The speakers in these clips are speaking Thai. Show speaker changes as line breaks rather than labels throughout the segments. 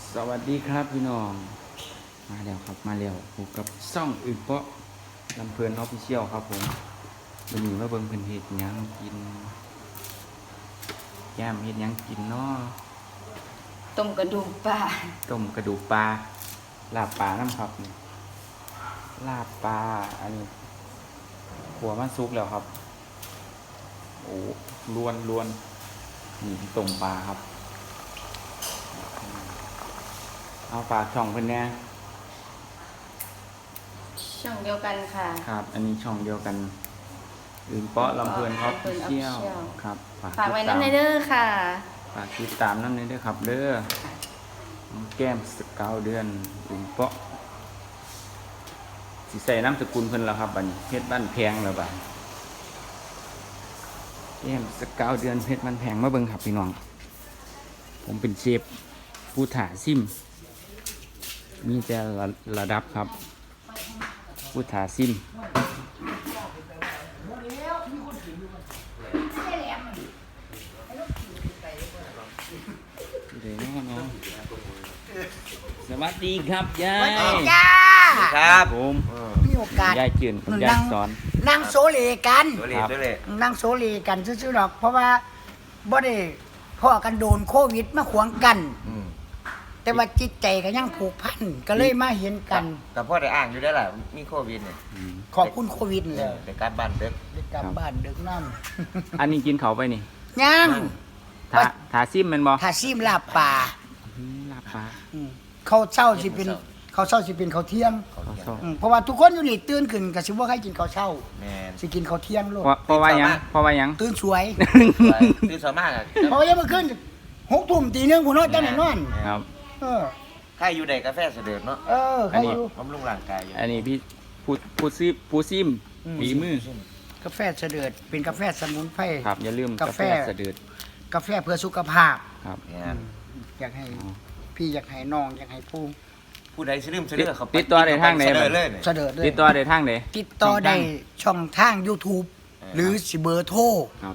สวัสดีครับพี่น้องมาแล้วครับมาแล้วพบกับซ่องอึ่งเปาะลำเพลินออฟฟิเชียลครับผมวันนี้มาเบิ่งเพิ่นเฮ็ดหยังกินแก้มเฮ็ดหยังกินเนาะ
ต้มกระดูกปลา
ต้มกระดูกปลาลาบปลาน้ำครับนี่ลาบปลาอันนี้หัวมันซุกแล้วครับโอ้ล้วนนี่ต้มปลาครับเอาฝากช่องเพิ่นแน่
ช่องเดียวกันค่ะ
ครับอันนี้ช่องเดียวกันอื่นเปาะลำเพลินครับเที่ยวครับ
ฝากไว้น้ำในเด้อค่ะ
ฝากติดตามน้ำในเด้อครับเด้อน้องแก้มสกาวเดือนอื่นเปาะสิใส่น้ำสกุลเพิ่นแล้วครับบัดนี้เพชรบ้านแพงแล้วบัดแก้มสกาวเดือนเพชรบ้านแพงมาเบิ่งครับพี่น้องผมเป็นเชฟผู้ถ่าซิมมีแต่ระดับครับผู้ถ่าซิมเดี๋ยวน้องสวัสดีครับยาย
จ้า
ครับผม
มีโอกาส
ยายจืนคุณยายสอน
นั่งโซเลกัน
ตัวเล็ก
นั่งโซเลกันซื่อๆหรอก เพราะว่าบ่ได้พ่อกันโดนโควิดมาขวางกัน แต่ว่าจิตใจก็ยังผูกพันก็เลยมาเห็นกัน
แต่พ่อได้อ่างอยู่ได้แหละมีโควิดเนี่ย
ขอบคุณโควิดเลย
แต่การบ้านเด็ก
ได้กลับบ้านดึกน้
อันนี้กินเขาไปนี่
ำยัง
ทาซิมแมันบ่
ถ้าซีมลาบป่า
ลาบปลา
เขาเช้าสิเป็นเขาเช้าสิเป็นเขาวเที่ยง
เขาเที่ยง
เพราะว่าทุกคนอยู่นี่ตื่นขึ้นก็สิบ่ใครกินข้าวเช้า
แมน
สิกินข้าวเที่ยงโลด
เพราะว่าหยังเพราะว่าหยัง
ตื่นสวย
คือส่วนมากอะ
เพราะว่ายังมาขึ้น6 ทุ่มตีหนึงผู้น้อยจังไหนนอน
ครับ
เออ
ใครอยู่ในกาแฟเสด็จเนาะ
เขาอยู่
บำรุงร่างกายอยู่
อันนี้พี่ผู้ซิมฝีมือก
าแฟเสด็จเป็นกาแฟสมุนไพร
ครับอย่าลืม
กาก
า
แฟ
แฟสะดืด
กาแฟเพื่อสุขภาพ
ครับ
แมน
อยากให้พี่อยากให้น้องอยากให้ผู้
ผู้ใดซื้อเสด็จเขา
ติดต่อได้ทางไหน
เสด็จเลยเนี่ย
เสด็จเลย
ติดต่อได้ทางไหน
ติดต่อได้ช่องทาง YouTube หรือสิเบอร์โทร
ครับ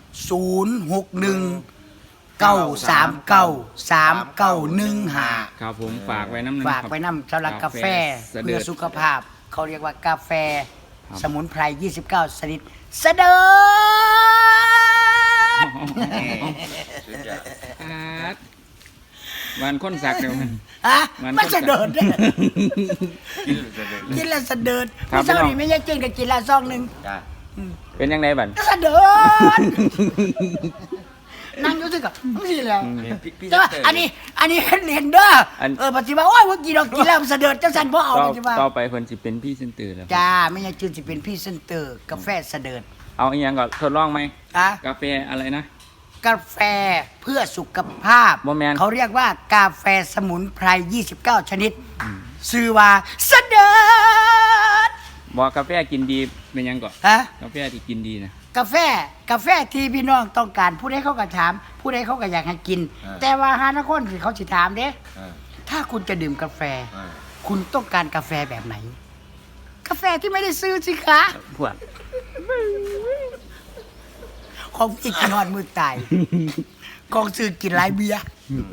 061-939-3915
ครับผมฝากไว้น้ำหนึง
ฝากไว้นำสำหรับกาแฟ
สะดื
เพื่อ
ด
สุขภาพ เขาเรียกว่ากาแฟ
ครับ
สมุนไพร 29 ชนิดเสด็จ
สุดยอด
ครับวันคนสักเดี๋ยวมัน
ฮะ
มัน
มันเสด็จเนี่ย
กินเสด็จเลย
กินแล้วเสด็จ
ครับ
พี่เจ้า
พี่น้อง
นี่ไม่ใช่กินกับกินละซองหนึ่ง
จ้า
เป็นยังไงบัด
เสด็จนั่งอยู่สิกับไม่ใช่แล้ว
พี่
แต่ว่าอันนี้เห็นเด้ออน ปฏิบัติโอ้ยว่ากินเรากินแล้วเสด็จจังสันพ่อเอา
ต่อ
ปฏิบัติ
ต่อไปเพิ่นสิเป็นพี่เซนเตอร์แล้ว
จ้าไม่ใช่จืนสิเป็นพี่เซนเตอร์กาแฟเสด็จ
เอาอีกอย่างก่อนทดลองไหม
อะ
กาแฟอะไรนะ
กาแฟเพื่อสุขภาพ
บ่แม่น
เขาเรียกว่ากาแฟสมุนไพร 29 ชนิดชื่อว่าเสด็จ
บอกกาแฟกินดีเป็นยังก่อน
ฮะ
กาแฟที่กินดีนะ
กาแฟที่พี่น้องต้องการผู้ใดเขาก็ถาม ผู้ใดเขาก็อยากให้กิน แต่ว่าหานักคนที่เขาสิถามเด้ ถ้าคุณจะดื่มกาแฟ คุณต้องการกาแฟแบบไหน กาแฟที่ไม่ได้ซื้อสิคะ
พวก
ของพี่กินหอดมือตาย ของซื้อกินหลายเบียร์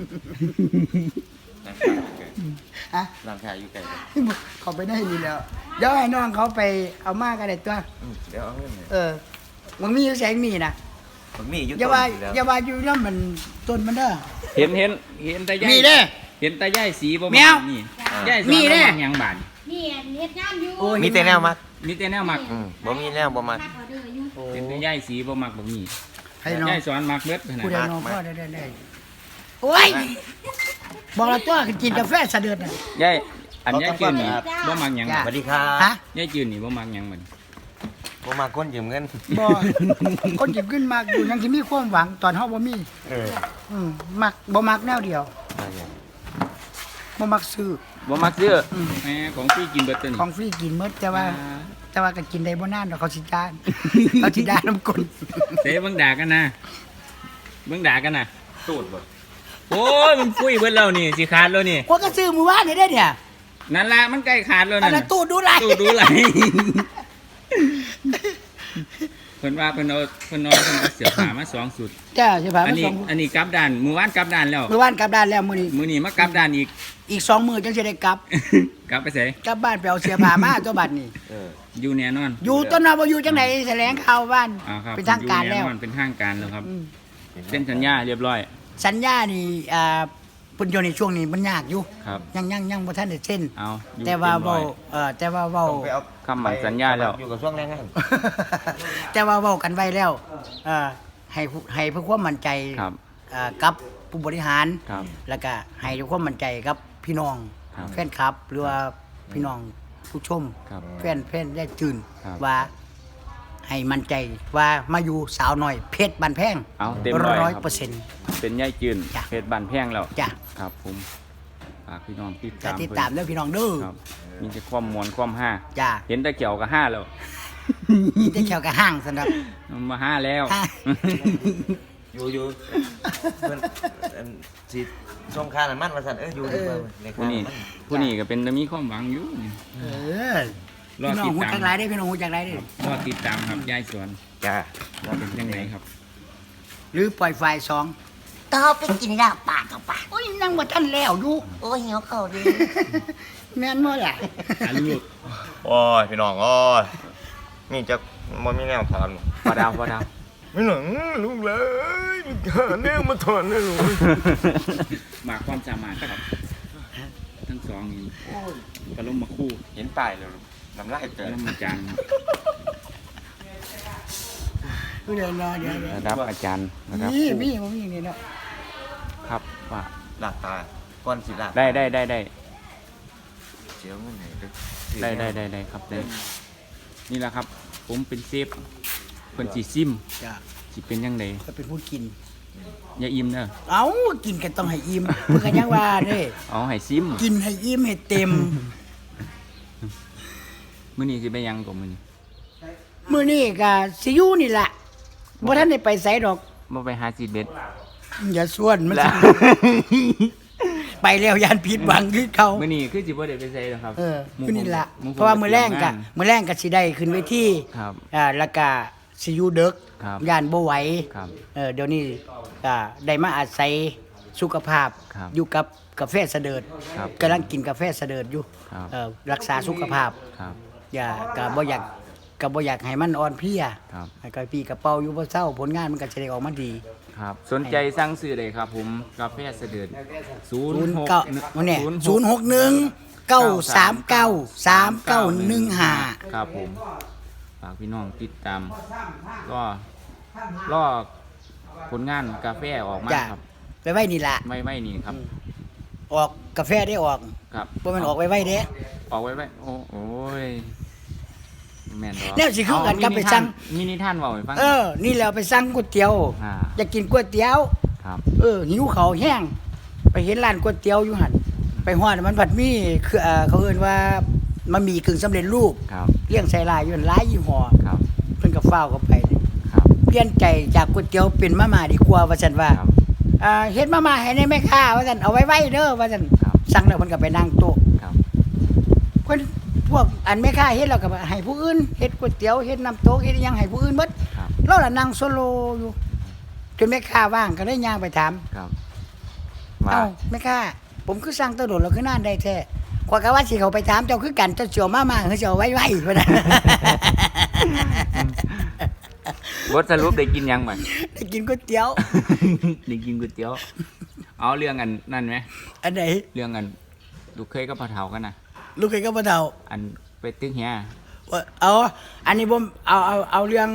ฮะ
ร่างกายอยู่ไกลกัน
เขาไปได้ดีแล้ว เดี๋ยวให้น้องเขาไปเอามากกันเลยตัว
เดี๋ยวเอาเงินเนี่ย
มันมีอยู่แสงมีนะ
ผมมีอยู่
อย่า
ต้
ว่าน
อยู่แล้ว
อย่าว่าอยู่นั่นมันต้นมันเด้อ
เห็นตาย่าย
มีเด้
เห็นตาย่ายสีบ่
แมว
นี่ย่ายสอน
มีเด้
บ่มักหยังบาด
นี่เฮ็ดงานอยู่
โอ้ย
มีแต่แนวมัก
มีแต่แนวมัก
บ่มีแนวบ่มัก
พักออเดอร์อยู่
เห็นตาย่ายสีบ่มักบ่มี
ให้น้อง
ย่ายสอนมักเบิดขนาด
ผู้ใด
นั้น
น้องพ่อได้โอ้ยบอกแล้วตัวกินกาแฟสะเดือดน่ะ
ย่ายอันย่ายจืนนี่บ่มักหยัง
จ้ะ
สวัสดีครั
ฮะ
บ
ย่ายจืนนี่บ่มักหยังบัด
บ่มาคนยืมเงิน
บ่คนหยิบขึ้นมากอยู่ยังสิมีความหวังตอนเฮาบ่มี มักบ่มักแนวเดียวบ่มักซื้อ
บ่มักซื้อแหมของพี่กินเบิดตัวนี้
ของฟรีกินหมดแต่ว่าก็กินได้บ่นานดอกเขาสิจาน เขาสิด่าน้ำกล
เด้เบิ่งด่ากันนะเบิ่งด่ากันนะตูดบ่โอ้ยมันฟุ้ยเบิดแล้วนี่สิขาดแล้วนี่
ว่าก็ซื้อมื้อวานนี่ได้เนี่ย
นั่นล่ะมันใกล้ขาดแล้ว
อั
นั่
น
น
นั้น
น่ะ
ตู้ดูไร
ตู้ดูไหลเพิ่นว่าเพิ่นเอาเสื้อผ้ามา2สุด
จ้าใช่ป่ะ
อันนี้กลับด้านมื้อวานกลับด้านแล้ว
เมื่อวานกลับด้านแล้วมื้อนี้
มื้อนี้มากลับด้านอีก
อีก2 มื้อจังสิได้กลับ
กลับไปไส
กลับบ้านไปเอาเสื้อผ้ามาตัวบัดนี้
อยู่แน่นอน
อยู่ต้นนาบ่อยู่จังได๋แถลงข่าวบ้าน
ครับ
เป็นทางการแล้ว
อยู่น่นอนเป็นทางการแล้วครับ
อืม
เซ็นสัญญาเรียบร้อย
สัญญานี่เพิ่นอยู่ในช่วงนี้มันยากอยู่
ครับ
ยังบ่ทันได้เซ็น
เอาอยู่
แต่ว่า
เรียบร้
เว้า
อย
แต่ว่าเว้า
ต้องไปเอา
คำมั่นสัญญาแล้ว
อยู่กับช่วงแรงงาน
แต่ว่าเว้ากันไว้แล้วให้เพื่อความมั่นใจ
ครับ
กับผู้บริหาร
ครับ
แล้วก็ให้ด้วยความมั่นใจกับพี่น้อง
ครับ
แฟนคลับ หรือว่าพี่น้องผู้ชม
ครับ
แฟนได้ตื่น
ครับ
ว่าให้มั่นใจว่ามาอยู่สาวน้อยเพชรบันแพง
เอาเต็มร้อยครับ
100%
เป็นย่ายจืน
จ้ะ
เพชรบานแพงแล้ว
จ้ะ
ครับผมฝากพี่น้องติด
จะ
ตาม
ติดตามเด้อพี่น้องเด้อ
ครับมีแต่ความมวนความห้า
จ้า
เห็นแต่เกี่ยวกับห้าแล้ว
ได้แขวกับห้างสำหรับ
มันมาห้าแล้ว
ห้า
อยู่เพิ่นสิส่งค่าน้ำมันว่าซั่นอยู่ดีกว่าใน
ผู้
ค่า
นี้
น้ำมัน
ผู้นี้ก็เป็นแต่มีความหวังอยู่นี่
เออ
รอ
พี่น้อง
ติด
หู
ตาม
จักไรได้อพี่น้องหูจักไรได้อ
รอติดตามครับยายสวน
จ้า
ว่าเป็นยังไงครับ
หรือปล่อยไฟสอง
ต่อไปกินลาบปากกับปาก
โอ้ยนั่งบ่ทันแล้วดู
โอ้ยหิวเขาวดี
แม่นบ่ล่ะ
อาลูก
โอ้ยพี่น้องโอ้ยนี่จะบ่มีแนวถอน
พอดาวพอดาว
ไม่หนังลูกเลยมีหาแนวมาถอนเลยลูก
หมากความสามารถครับ ทั้งสองนี่ปลาลมมาคู่
เห็นป้ายแล้วน้ำลาย
ป
เกิ
ลาน ลมมาจาน
เดี๋ยวรอเดี๋ยว
ระดับอาจารย์ระดับ
นี่
ครู
มีบ่มีนี่เนาะ
ครับว่า
ลาดตาก้อนสิลาด
ได้
เสียวเงินไหนเด้อ
ได้ครับได้นี่แหละครับ ผมเป็นเซฟเพิ่นสิซิม
จ้ะ
สิเป็นยังไง
ก็เป็นผู้กิน
อย่าอิ่มเด้อ
เอ้ากินกันต้องให้อิ่มเพิ่นก็ยังว่าเด้
เอาให้ซิม
กินให้อิ่มให้เต็ม
มื้อนี้สิไปหยังกับมื้อนี้
มื้อนี้ก็สิอยู่นี่ล่ะบ่ทันได้ไปไสดอก
บ่ไปหาซีดเบ็ด
อย่าส่วนมันสิไปแล้วยานผิดหวังคือเขา
มื้อนี้คือสิบ่ได้ไปไสหรอกครับ
มื้อนี้ล่ะ
หผม
เพราะว่ามื้อแรงก็
งาน
มื้อแรงก็สิได้ขึ้นเวที
ครับ
แล้วก็สิอยู่ดึก
ครับ
ย่านบ่ไหว
ครับ
เดี๋ยวนี้ก็ได้มาอาศัยสุขภาพ
ครับ
อยู่กับกาแฟเสดิร์ด
ครับ
กำลังกินกาแฟเสดิร์ดอยู่
ครับ
รักษาสุขภาพ
ครับ
อย่าก็บ่อยากให้มันอ่อนเพลีย
ครับ
ให้ก็พี่กระเป๋าอยู่บ่เศร้าผลงานมันก็จะได้ออกมาดี
ครับสนใจสั่งซื้อได้ครับผมกาแฟเสด็จ
09วันนี้061-939-3915
ครับผมฝากพี่น้องติดตามก็รอผลงานกาแฟออกมา
จ้ะ
ครับ
ไปไว้นี่ล่ะ
ไม่นี่ครับ
ออกกาแฟได้ออก
ครับ
บ่แม่นออกไว้เด้
ออกไว้โอ้ยแม่นดอก
แนวสิคือกันกับไปสั่ง
มีนิทานเว้าให้ฟัง
นี่แหล้วไปสั่งก๋วยเตี๋ยว
อ่า
อยากกินก๋วยเตี๋ยว
ครับ
หิวเขาวแห้งไปเห็นร้านก๋วยเตี๋ยวอยู่หั่นไปฮอดมันผัดมีคือเขาเอิ้นว่ามันมีกึ่งสำเร็จรูป
ครับ
เลี้ยงใส่ลายอยู่นั่นหลายยี่ห้อ
ครับ
เพิ่นก็ฟ้าวเข้าไป
ครับ
เปลี่ยนใจจากก๋วยเตี๋ยวเป็นมาม่าดีกว่าว่าซั่นว่า
ครับ
เฮ็ดมาม่าให้ในแม่ค้าว่าซั่นเอาไว้เด้อว่าซั่น
ครับ
สั่งแล้วเพิ่นก็ไปนั่งโต๊ะ
ครับ
เพิ่นพวกอันแม่ค้าเฮ็ดแล้วก็ให้ผู้อื่นเฮ็ดก๋วยเตี๋ยวเฮ็ดน้ำโต๊ะเฮ็ดอิหยังให้ผู้อื่นเบิด
ครับ
เราล่ะนั่งโซโลอยู่จนแม่ค้าว่างก็เลยย่างไปถาม
ครับว่า
เอ้าแม่ค้าผมคือสั่งตะโดดแล้วคือนานได้แท้ข้อยก็ว่าสิเขาไปถามเจ้าคือกันเจ้าสิเอามาคือสิเอาไว้ว่าซั่น
บทสรุปได้กินยังบ่
ได้กินก๋วยเตี๋ยว
ได้กินก๋วยเตี๋ยวเอาเรื่องอันนั่นไหม
อันไหน
เรื่องอันลูกเคยกับพ่อเฒ่ากันนะ
ลูกเคยก็บ่เฒ่า
อันไปตึกเฮีย
เอาอันนี้ผมเอาเรื่อง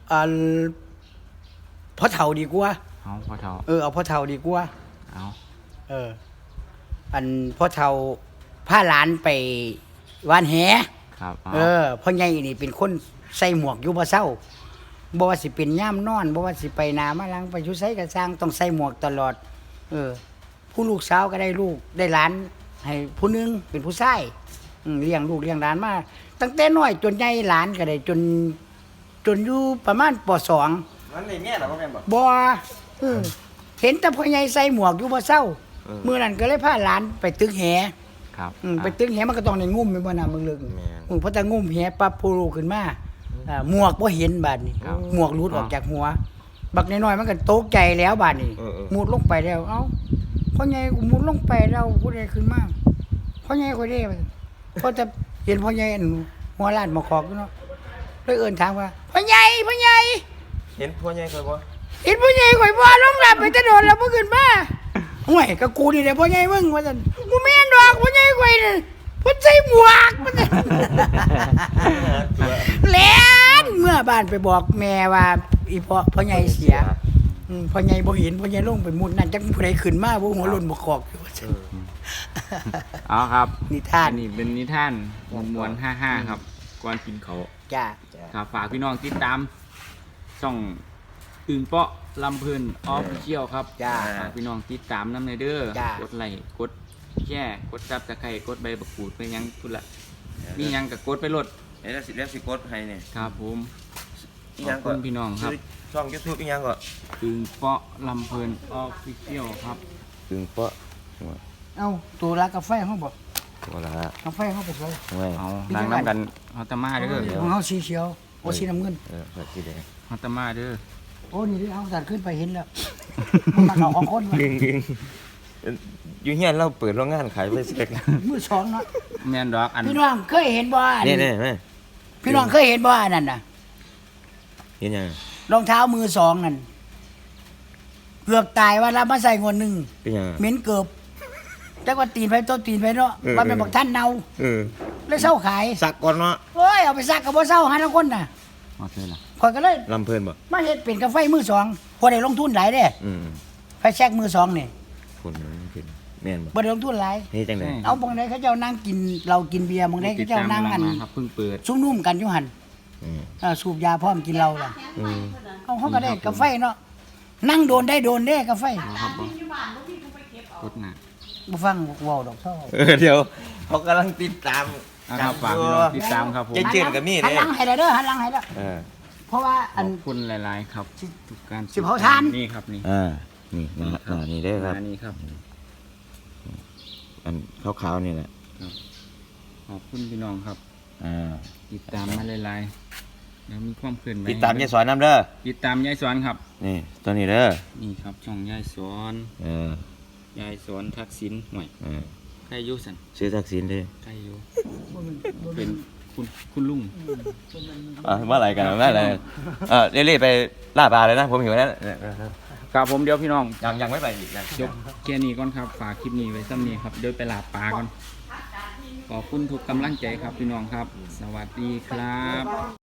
พ่อเฒ่าดีกว่า
เอาพ่อเฒ่า
เอาพ่อเฒ่าดีกว่า
เอา
อันพ่อเฒ่าพาหลานไปวานแห
ครับเอา
พ่อใหญ่นี่เป็นคนใส่หมวกอยู่บ่เศร้าบ่ว่าสิเป็นย่ามนอนบ่ว่าสิไปนามาลังไปอยู่ไสก็สร้างต้องใส่หมวกตลอด ผู้ลูกสาวก็ได้ลูกได้หลานให้ผู้หนึงเป็นผู้ชายเลี้ยงลูกเลี้ยงหลานมาตั้งแต่น้อยจนใหญ่หลานก็ได้จนอยู่ประมาณป .2
มันได้แม่เหรอบ่แม่นบ่
บ่เห็นแต่พ่อใหญ่ใส่หมวกอยู่บ่เศร้ามื้อนั้นก็เลยพาหลานไปตึกแห
ครับ
ไปตึกแหมันก็ต้องได้งุ่มแม่นบ่น่ะมึงลึก
แม่น
พอแต่งุ่มแหปั๊บผู้ลูกขึ้นมาหมวกบ่เห็นบาดนี้
ครับ
หมวกหลุดออกจากหัว บักน้อยๆมันก็ตกใจแล้วบาดนี้
เออ
มุดลงไปแล้วเอ้าพ่อใหญ่กูมุดลงไปแล้วผู้ใดขึ้นมาพ่อใหญ่ก็ได้พอจะเห็นพ่อใหญ่อันหัวล้านมาขอกอยู่เนาะเลยเอิ้นถามว่าพ่อใหญ่
เห็นพ่อใหญ่เคยบ่
เห็นพ่อใหญ่ข่อยบ่ลงหลับไปจะโดนแล้วบ่ขึ้นมาห่วยก็กูนี่แหละพ่อใหญ่มึงว่าซั่นกูแม่นดอกพ่อใหญ่ข่อยน่ะเพิ่นใส่หมวกมันน่ะ แล่นเมื่อบ้านไปบอกแม่ว่าอีพ่อใหญ่เสียพ่อใหญ่บ่เห็นพ่อใหญ่ลงไปมุดนั่นจักผู้ใดขึ้นมาบ่หัวหล่นบ่คอกอยู่ว่าซั่น
เอาครับ
นิทาน
อันนี้เป็นนิทานมวนๆ55ครับก่อนกินเขาว
จ้า
ครับฝากพี่น้องติดตามช่องอึ่งเปาะลำเพลินออฟฟิเชียลครับ
จ้า
ฝากพี่น้องติดตามน้ำในเด้อ
จ้าก
ดไลค์กดแชร์กดซับสไครต์กดใบบักกูดไปยังพุ่นละมีหยังกับกดไปโหลด
แล้วสิกดให้เนี่ย
ครับผม
อี
ข
หยั
อบ
ง
คุ
ก็
ณพี่น้องครับ
ช่อง YouTube อีหยังก็
อึ่งเปาะลำเพลินออฟฟิเชียลครับ
ถึงเปาะ
เอ้าตัวละกาแฟเฮาบ่
ว่าละ
กาแฟเฮาไปใส่
เว้ย
เอาล้างน้ำกันฮอตตามาเด้อ
ของเฮาสีเขียวโอ้สีน้ำเงิน
แบบที่แดง
ฮอตตามาเด้อ
โอ้นี่เอาสัตว์ขึ้นไปเห็นแล้วมันมาเอาของคนมา
ดึงอยู่เฮียนเราเปิดโรงงานขายไปเซ็ก
มือสองเนาะ
แม่นดอกอัน
พี่น้องเคยเห็นบ่อัน
นี่แม่
พี่น้องเคยเห็นบ่อันนั้นน่ะ
เห็นยัง
รองเท้ามือสองนั่นเกือบตายว่ารับมาใส่งวดหนึง
เป็นยัง
เหม็นเกือบแต่ว่าตีนไปต้นตีนไปเนาะว่าเป็นบอกท่านเนา
เออ
เลยเศร้าขาย
สักก่อนเนาะ
โอ้ยเอาไปซักกับบ่เศร้าหาทั้งคนน่ะ
เอาเถอะล่ะ
ข่อยก็เลย
ลำเพลินบ่
มาเฮ็ดเป็นกาแฟมือสองบ่ได้ลงทุนหลายเด้ ไฟแช็กมือสองนี่
คนมันเป็นแม่นบ่
บ่ได้ลงทุนหลาย
นี่จังได๋
เอาบางใดเขาเจ้านั่งกินเรากินเบียร์บางใดเขาเจ้านั่งกัน
ติดตามครับเพิ่งเปิด
ซุ่มนุ่มกันอยู่หั่นสูบยาพร้อมกินเหล้าล่ะเอาเขาก็ได้กาแฟเนาะนั่งโดนได้โดนเด้กาแฟ
ครับผมกดหน้า
บ่ฟังเว้าดอกเท่า
เดี๋ยวเขากำลังติดตาม
นะครับฝากพี่น้องติดตามครับผม
เจ๊นกับมี่
หัน
เด้
หลังให้แล้วเด้อหันหลังให้แล้วเพราะว่า
ข
อัน
อบคุณหลายๆครับทุกการ
สิบเผาทาน
นี่ครับนี่
นี่นี่เด้อครับ
มานี่ครับ
อันขาวๆนี่แหละ
ขอบคุณพี่น้องครับ ติดตามมาหลายๆแล้วมีความเคลื่อนไหว
ติดตามยายสอนน้ำเด้อ
ติดตามยายสอนครับ
นี่ตัวนี้เด้อ
นี่ครับช่องยายสอน ยายสอนทักษิณห่วยใครอยุสัน
ซื้อทักษิณเด้อ
ใครอยุเป็นคุณลุง
เมื่อไหร่กันเมื่อไหร่เรื่อยๆไปล่าปลาเลยนะ ผมหิวแล้ว
ครับผมเดี๋ยวพี่น้อง
ยังไม่ไปอีกนะ
ยกแค่นี้ก่อนครับฝากคลิปนี้ไว้ซ้ำนี้ครับเดี๋ยวไปลาปลาก่อนขอบคุณทุกกำลังใจครับพี่น้องครับ สวัสดีครับ